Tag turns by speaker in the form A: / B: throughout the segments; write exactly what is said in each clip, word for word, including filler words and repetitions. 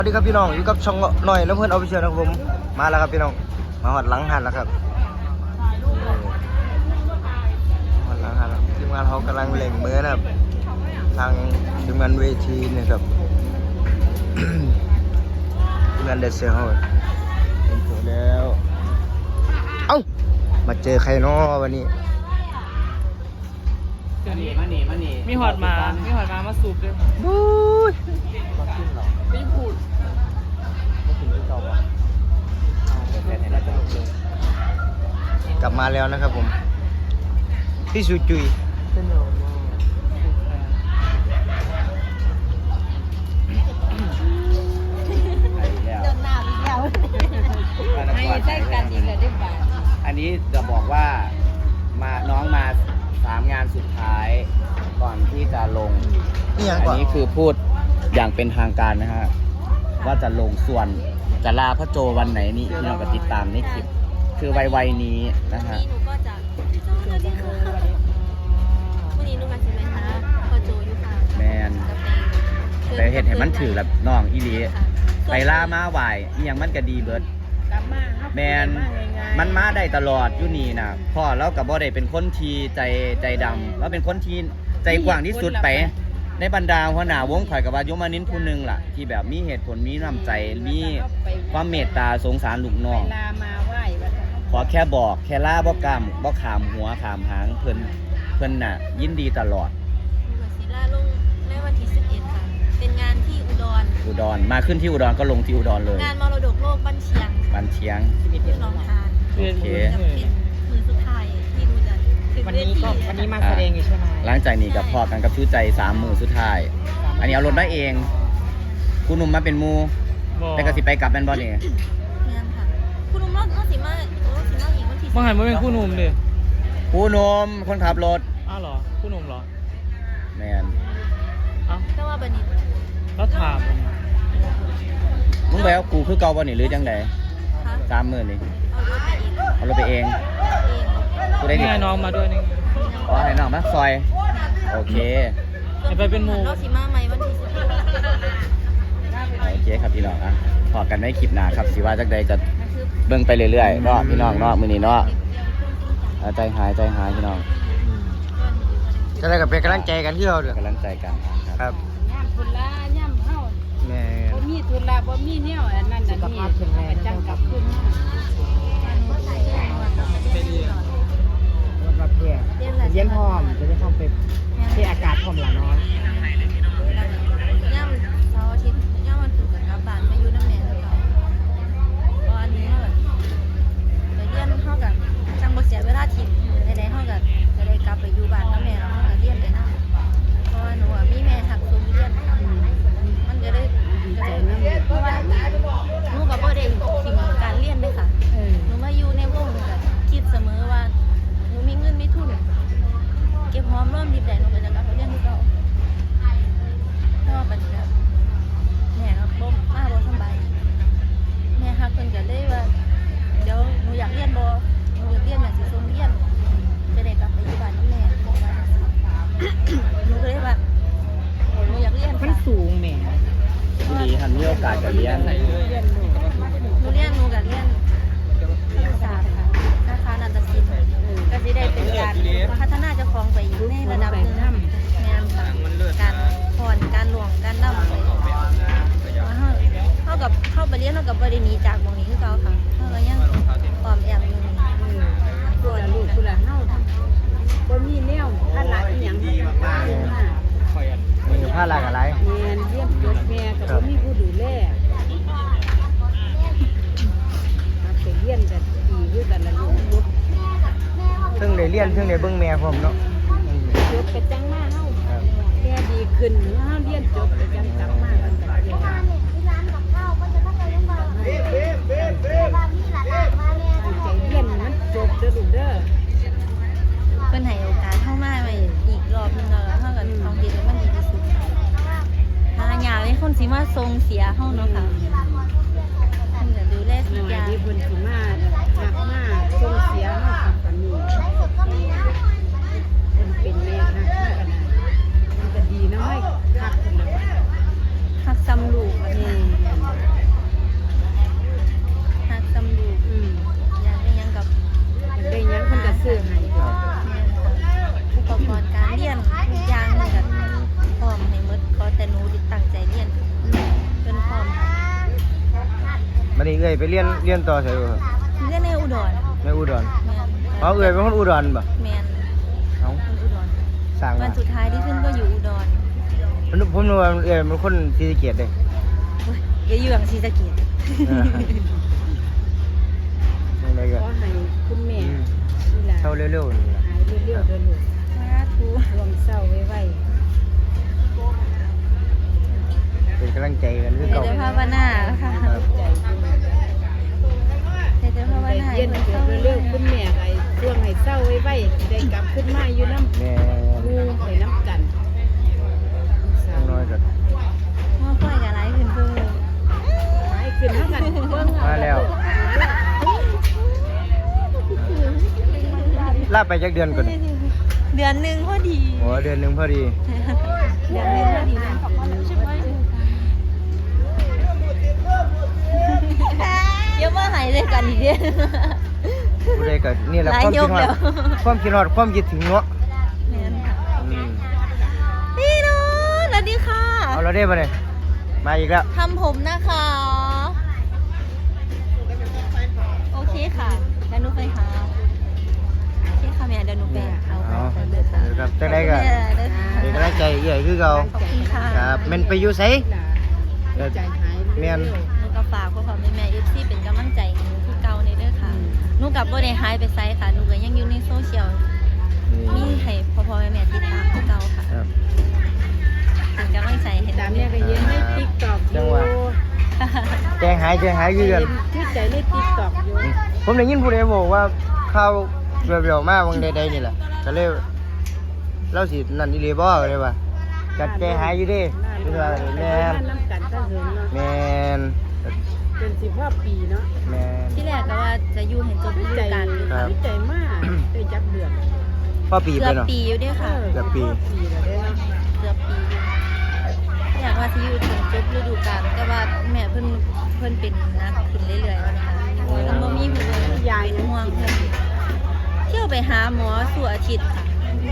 A: สวัสดีครับพี่น้องอยู่กับช่องหน่อยน้ำเพื่อนเอาไปเชียร์นะครับผมมาแล้วครับพี่น้องมาหอดหลังหันแล้วครับหอดหลังหันแล้วทีมงานเขากำลังเล็งมือนะครับทางทีมงานเวทีนี่ครับ ทีมงานเดซเซอร์เขาเป็นตัวแล้วเอ้ามาเจอใครเนาะวันนี้
B: มาหนีมาหนีมาหนีมีหอดมามีหอดมามาสูบด้วย
A: บู๊ยก็ขึ้นหรอ
B: ไม่พูด
A: ไม่ถึงที่เก่าปะกลับมาแล้วนะครับผมพี่สุจุยเป็นหนอน
C: เดินหน้าไปแล้วให้ใช้กันอีกเลยได้ป่ะ
B: อันนี้จะบอกว่ามาน้องมาสามงานสุดท้ายก่อนที่จะลงอันนี้คือพูดอย่างเป็นทางการนะฮะว่าจะลงส่วนจะลาพ่อโจวันไหนนี่ที่เราก็ติดตามในคลิปคือวัยๆนี้นะฮะ
C: หนูก็จะสวัสดีค่ะวันนี้หนูมาใช่ไหมคะพ่อโจอยู่ค่ะ
B: แมนไปเห็นเห็นมันถือแบบน้องอีลีไปล่ามาไหวยังมันก็ดีเบิร์ดแมนมันมาได้ตลอดอยู่นี่นะพ่อแล้วกับบ่ได้เป็นคนทีใจใจดำแล้วเป็นคนทีใจกว้างที่สุดไปในบรรดาหัวหน้าวงข่อยกับว่าโยมานินผู้หนึ่งล่ะที่แบบมีเหตุผลมีน้ำใจมีความเมตตาสงสารลูกน้องขอแค่บอกแค่ล่าบ่กล้ามบ่ขามหัวขามหางเพิ่นเพิ่นน่ะยินดีตลอด
C: ศิลาลงในวันที่สิบเอ็ดค่ะเป็นงานที่อุดร
B: อุดรมาขึ้นที่อุดรก็ลงที่อุดรเลย
C: งานมรดกโลกบ้านเชียง
B: บ้านเชียง
C: ที่น้องทาน
B: โอเค
C: มือสุดท้ายที่ดูจะ
D: วันนี้ก็วันนี้มาแสดงอยู่ใช่ไหม
B: หลังจากนี้กับพอกันกับชูใจสามมือสุดท้ายอันนี้เอารถได้เองคุณหนุ่มมาเป็นมูแต่ก็สิไปกลับแมนบอลนี่
C: คุณนุ่มรอดสีมาโอ้สีมาอีกวันที่
D: เมื่อไหร่ไม่เป็นคู่นุ่มดิ
B: คู่นุ่มคนขับรถ
D: อ้าวเหรอคู่นุ่มเหรอ
B: แมน
D: อ้าว
C: ก็ว่าบันนี้
D: แล้วถาม
B: มึงไปเอากูคือเก่าบอลนี่หรือจังไดสามหมื่นนี่เอารถไปเองกูได้
D: นี่น้องมาด้วยนี่
B: อ๋อให้น้องมาซอยโอเค
D: ไปเป็นมู
C: เราสีมาใหม่วันที่สิบ
B: โอเคครับพี่น้องอ่ะพอกันในคลิปหน้าครับสิว่าจักใดจะเบิ่งไปเรื่อยๆเนาะพี่น้องเนาะมื้อนี้เนาะใจหายใจหายพี่น้อง
A: จะได้กับเป็นกำลังใจกันที่เราเด้อก
B: ำลังใจกัน
A: ครับ
C: ย่ำทุนละย่ำเฮา
A: แม่
C: บ่มีทุนละบ่มีแนวอันนั้นอันนี้จังกลับขึ้น
D: แบบเพื่อเย็นพร้อมจะได้ทำเป็นที่อากาศพร้อมหลานน้อย
C: ย่ำเสาร์อาทิตย์ย่ำวันศุกร์กับกลับบ้านไม่อยู่น้ำแม่แล้วก็เพราะอันนี้เฮาแบบไปเรียนเฮากับจังบ่เสียเวลาทิ้งใดๆเฮาก็จะได้กลับไปอยู่บ้านน้ำแม่แล้วเฮาก็เรียนไปนำเพราะว่าหนูอ่ะมีแม่หักส่งเรียนมันก็ได้ก็ได้เพราะว่าหนูก็บ่ได้ทิ้งการเรียนเลยค่ะหนูมาอยู่ในวงก็คิดเสมอว่าหนูมีเงินมีทุนเก็บหอมรอมริบได้หนูก็จะกลับไปเรียนที่เก่าเพราะว่าปัจจุบันแม่ก็บ่มาบ่สบายแม่ฮักเพิ่นก็เลยว่าเดี๋ยวหนูอยากเรียนบ่หนูอยากเรียนแม่สิส่งเรียนจะได้กลับไปอยู่บ้านกับแม่หนูก็เลยว่าหนูอยากเรียน
D: มันสูงแม่
B: ดีทันมีโอกาสจะเรียน
C: หนูเรียนหนูก็เรียนภาษาค่ะสาขานาฏศิลป์ก็สิได้เป็นการพัฒนาเจ้าของไปอยู่ในระดับหนึ่งงานค่ะการพรการหลวงการนำไปเท่ากับเข้าไปเรียนเท่ากับบริณีจากวงนี้คือเขาค่ะเท่ากับยังปลอมแอบอยู่
D: ตัวลูกตัวเฮาบ่มีแนวท่านหลายอีหยังดีมาก
A: ๆมือผ้าลากอะไร
D: เรียนเรียนจบแม่ก็บ่มีผู้ดูแลไปเรียนกันดีคือกันละลูก
A: ซึ่งได้เรียนซึ่งได้เบิ่งแม่พร้อมเนาะ
D: จบไปจังมาเฮาแม่ดีขึ้นเฮาเรียนจบไปจังกลับมากันก็เรียนร้านกับข้าวก็จะต้องไปโรงพยาบาลเบ๊ะเบ๊ะเบ๊ะเบ๊ะมีหลานมาแม่ใจเรียนมันจบเด้อลูกเด้อ
C: เพิ่นให้โอกาสเฮามาไว้อีกรอบนึงแล้วเฮาก็เอาเรียนให้มันดีที่สุดหาหยาเป็นคนสิมาทรงเสียเฮาเนาะค่ะเพิ่นก็ดูแลทุกอย่าง
D: ที่เพิ่นสิมาหักมาทรงเสียเฮากับปานนี้เพิ่นเป็นแม่ฮักกันมันก็ดีนะให้ฮักเพิ่นน่ะ
C: ฮักซ้ำลูก
A: บัดนี้เอ้ยไปเรียนเรียนต่อไสบ่ครับ
C: เรียนในอุดร
A: ในอุดร
C: แม่น
A: อ๋อเอ้ยเป็นคนอุดรบ่
C: แม่น
A: เอ้า
C: คนอุดร
A: สร้าง
C: วั
A: มาน
C: สุดท้ายที่ขึ้นก็อยู่อุดร
A: ผมนึกว่าเอ้ยเป็นคนศรีสะเกษเด้
C: โอ้ยเกยื่องศรีสะเกษ
A: อ่าจังไดก็
D: ขอให้คุณแม่
A: อืม
D: นี่ล่ะ
A: เท่าเร็วๆนี่ล่ะ
D: หายเร็วๆเด้อลูก
C: สาธุ
D: รวมเศร้าไว้
A: เป็นกำลังใจกันคือ
C: เดี๋ย
A: เก่าว
C: จะภาวนาค่ะ
A: ครับ
D: ๆใจอยู่
C: เดี๋ยวจะภาว
D: ใจ
C: นา
D: เย็น
C: ให้
D: เกิดเร็วๆคุณแม่ไอ้ช่วงให้เศร้าไว้ๆได้กลับขึ้นมาอยู่น้ำ
A: แม่
D: งูไปน้ำกัน
A: จังน้อยก็
C: พ่อค่อยกับไรขึ้นเพิ่ม
D: หายขึ้นเท่ากันเบิ่งเอ
A: มาแล้วลาไปจักเดือนก่อน
C: เดือนหนึ่งพอดี
A: โอ้เดือนหนึงพอดี
C: เดือนหนึ่งพอดีเลยเดี๋ยวมาหายเลยกันอีกเดือน
A: ผู้ใดก็นี่แหละ
C: หลาย
A: ความคิด
C: ยก
A: ฮอ
C: แล้
A: ด
C: ว
A: ความคิดฮอดความคิดถึงเนาะ
C: แม่นค่ะ
A: อืม
C: พี่น้องสวัสดีค่ะ
A: เอาเราได้บ่เนี่ยมาอีกแล้ว
C: ทำผมนะคะ โอเคค่ะเดี๋ยวหนูไปหาโอเคค่ะแม่เดี๋ยวหนูไปเอา
A: เอา
C: ไปเลยค่ะ
A: ครับจังไดก็
C: เด้อค่ะ
A: เป็นกำลังใจใหญ่คือเก่า
C: ขอบคุณค่ะ
A: ครับแม่นไปอยู่ไส
D: ล่ะใจหาย
A: แม่น
C: หนูก็ฝากพ่อพ่อแม่แม่เอฟซีเป็นกำลังใจให้หนูคือเก่าในเด้อค่ะหนูกับบ่ได้หายไปไสค่ะหนูก็ยังอยู่ในโซเชียลมี
A: นี่
C: ให้พ่อพ่อแม่แม่ติดตามคือเก่าค่ะ
A: ครับ
C: เป็นกำลังใจให้ห
D: ตาม
C: นู
D: เนี่ยก็เย็นใน TikTok อ
A: จัง
D: ยู่
A: หวะ แจงหายแจงหายคือกัน
D: ชื่อใจใน TikTok อยู่
A: ผมได้ยินผู้ใดบอกว่าข่าวเรียวๆมาบางใดๆนี่แหละก็เลยเราสินั่นอีหลีบ่ก็เลยว่ากัดแจงหายอยู่เดิคือว่าแม่น
D: น้ำกันถ้าเหินเนาะ
A: แม่น
D: เป็นสิบห้าปีเนาะ
A: แม่น
C: ที่แรกก็ว่าจะอยู่เห็นจบฤดู
D: ใจ
C: กาลอยู่
A: ครั
C: ค่ะ
A: บ
D: ใจมากได้จับเดือน
A: พ่อปีไป
C: เกือบ
A: เนาะ
C: ปีอยู่เด้อค่ะ
A: เกือบปี
D: ปีแล้วได้เนาะ
C: เกือบปีอยู่อยากว่าสิอยู่ถึงจบฤดูกาลแต่ว่าแม่เพิ่นเพิ่นเป็นนักขึ้นเรื่อยๆว่านะคะแล้วบ่มีผู้เลย
D: ยาย
C: เป็นห่วงเพิ่นเที่ยวไปหาหมอสู่อาทิตย์ค่ะ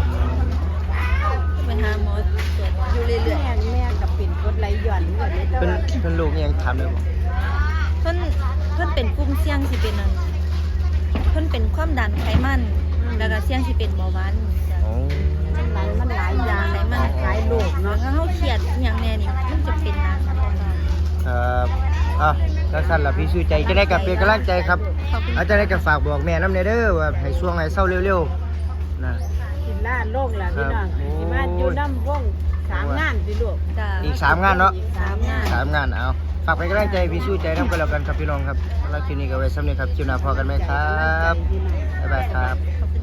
C: ไปหาหมอตรวจอยู่เรื่อย
D: แม่แม่กับเป็นกดไหลหย่อนเหมือนนี้แต่
A: เป็น
D: ว่า
A: เป็นลูกยังทำเลยบ่
C: ๆเพิ่นเพิ่นเป็นกลุ่มเสี่ยงสิเป็นนั่นเพิ่นเป็นความดันไขมันแล้วก็เสี่ยงสิเป็นเบาหวานจ้ะ
A: โอ้
D: มันหลายมันหลายอย่าง
C: ไขมัน
D: หลายโรค
C: เนาะ
D: เนาะ
C: ถ้าเฮาเครียดอหย่างแน่นี่มันจะเป็นนะครับ
A: ครับอ่ะแล้วสั้นล่ะพี่ชื่อใจจะได้กับเป็นกำลังใจครับ
C: ขอบคุณ
A: อาจารย์ได้กับฝากบอกแม่น้ำเนเด้อว่าให้ช่วงให้เศร้าเร็วๆนะ
D: กินล่าโรคล่ะพี่น้อง
A: ครับ
D: ที่มาอยู่น้ำวงสามงานสิลูก
C: จ้า
A: อีกสามงานเนาะ
D: อีกสามงาน
A: สามงานเอาฝากเป็นกำลังใจพี่ชื่อใจน้ำกันแล้วกันครับพี่น้องครับแล้วคลิปนี้ก็ไว้สำเร็จครับคลิปหน้าพอกันไหมครับ บ๊ายบายครับ
C: ขอบคุณ